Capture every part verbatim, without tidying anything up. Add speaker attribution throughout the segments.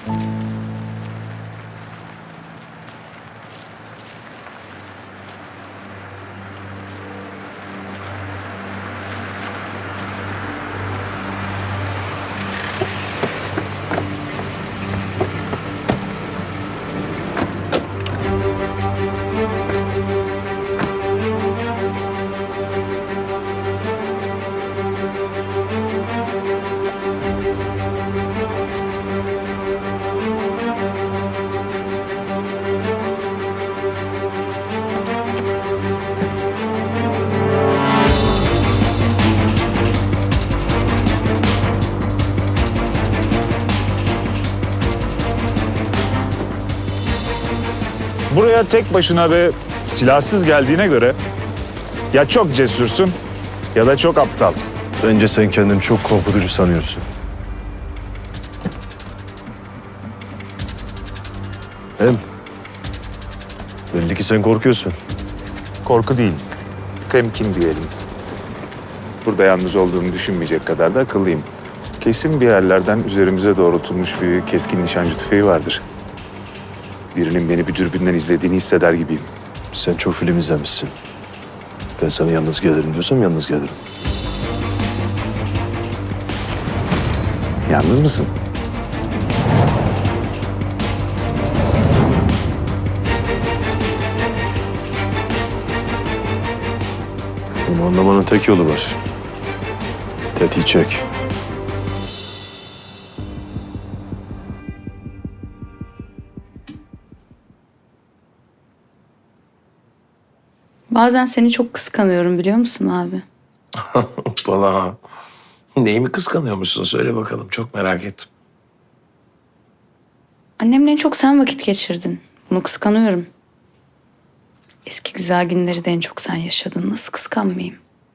Speaker 1: Buraya tek başına ve silahsız geldiğine göre ya çok cesursun ya da çok aptal.
Speaker 2: Bence sen kendini çok korkutucu sanıyorsun. Hem belli ki sen korkuyorsun.
Speaker 1: Korku değil, temkin diyelim. Burada yalnız olduğumu düşünmeyecek kadar da akıllıyım. Kesin bir yerlerden üzerimize doğrultulmuş bir keskin nişancı tüfeği vardır. Birinin beni bir dürbünden izlediğini hisseder gibiyim.
Speaker 2: Sen çok film izlemişsin. Ben sana yalnız gelirim diyorsam yalnız gelirim.
Speaker 1: Yalnız mısın?
Speaker 2: Bunu anlamanın tek yolu var. Tetiği çek.
Speaker 3: Bazen seni çok kıskanıyorum biliyor musun abi?
Speaker 4: Hoppala. Neyi kıskanıyormuşsun? Söyle bakalım. Çok merak ettim.
Speaker 3: Annemle en çok sen vakit geçirdin. Bunu kıskanıyorum. Eski güzel günleri de en çok sen yaşadın. Nasıl kıskanmayayım?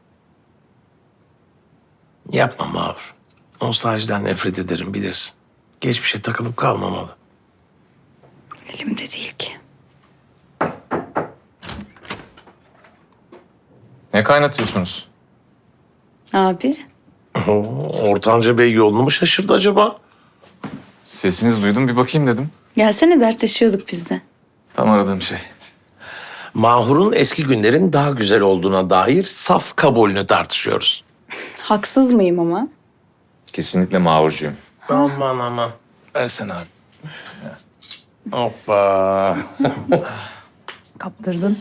Speaker 4: Yapma Mahur. Nostaljiden nefret ederim bilirsin. Geçmişe takılıp kalmamalı.
Speaker 3: Elimde değil ki.
Speaker 5: Ne kaynatıyorsunuz?
Speaker 3: Abi,
Speaker 4: Oo, Ortanca Bey yolunu mu şaşırdı acaba?
Speaker 5: Sesinizi duydum, bir bakayım dedim.
Speaker 3: gelsene dertleşiyorduk biz de.
Speaker 5: Tam aradığım şey.
Speaker 4: Mahur'un eski günlerin daha güzel olduğuna dair saf kabulünü tartışıyoruz.
Speaker 3: Haksız mıyım ama?
Speaker 5: Kesinlikle mağurcuyum.
Speaker 4: Aman aman.
Speaker 5: Versene abi.
Speaker 4: Hoppa.
Speaker 3: Kaptırdın.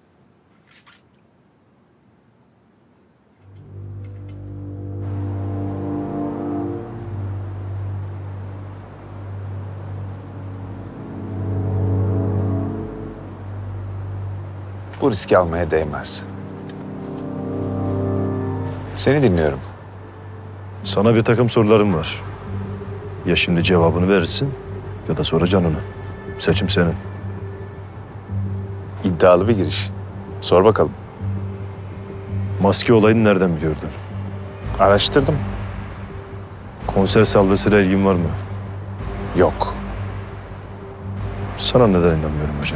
Speaker 1: Bu riski almaya değmez. Seni dinliyorum.
Speaker 2: Sana bir takım sorularım var. Ya şimdi cevabını verirsin ya da sonra canını. Seçim senin.
Speaker 1: İddialı bir giriş. Sor bakalım.
Speaker 2: Maske olayını nereden biliyordun?
Speaker 1: Araştırdım.
Speaker 2: Konser saldırısıyla ilgin var mı?
Speaker 1: Yok.
Speaker 2: Sana neden inanmıyorum acaba?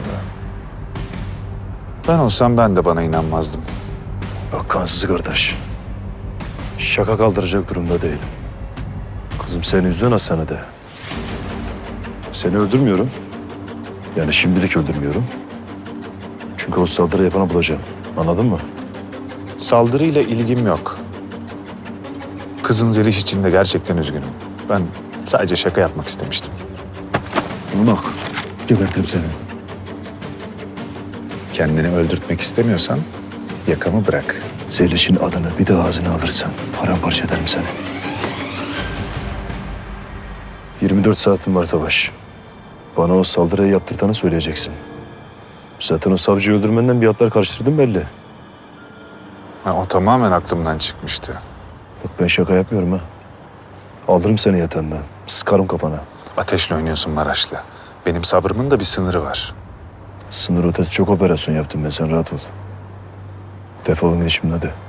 Speaker 1: Ben olsam ben de bana inanmazdım.
Speaker 2: Bak kansız kardeş. Şaka kaldıracak durumda değilim. Kızım seni üzen hastanede. Seni öldürmüyorum. Yani şimdilik öldürmüyorum. Çünkü o saldırı yapanı bulacağım. Anladın mı?
Speaker 1: Saldırıyla ilgim yok. Kızın Zeliş için de gerçekten üzgünüm. Ben sadece şaka yapmak istemiştim.
Speaker 2: Bak. Gebertim seni.
Speaker 1: Kendini öldürtmek istemiyorsan yakamı bırak.
Speaker 2: Zeliş'in adını bir de ağzına alırsan paramparça ederim seni. yirmi dört saatin var Savaş. Bana o saldırıyı yaptırtanı söyleyeceksin. Zaten o savcıyı öldürmenden bir hatlar karıştırdım belli.
Speaker 1: Ha, o tamamen aklımdan çıkmıştı.
Speaker 2: Bak ben şaka yapmıyorum ha. Alırım seni yatağından. Sıkarım kafana.
Speaker 1: Ateşle oynuyorsun Maraşlı. Benim sabrımın da bir sınırı var.
Speaker 2: Sınır ötesi çok operasyon yaptım ben, sen rahat ol. Defolun gidin şimdi hadi.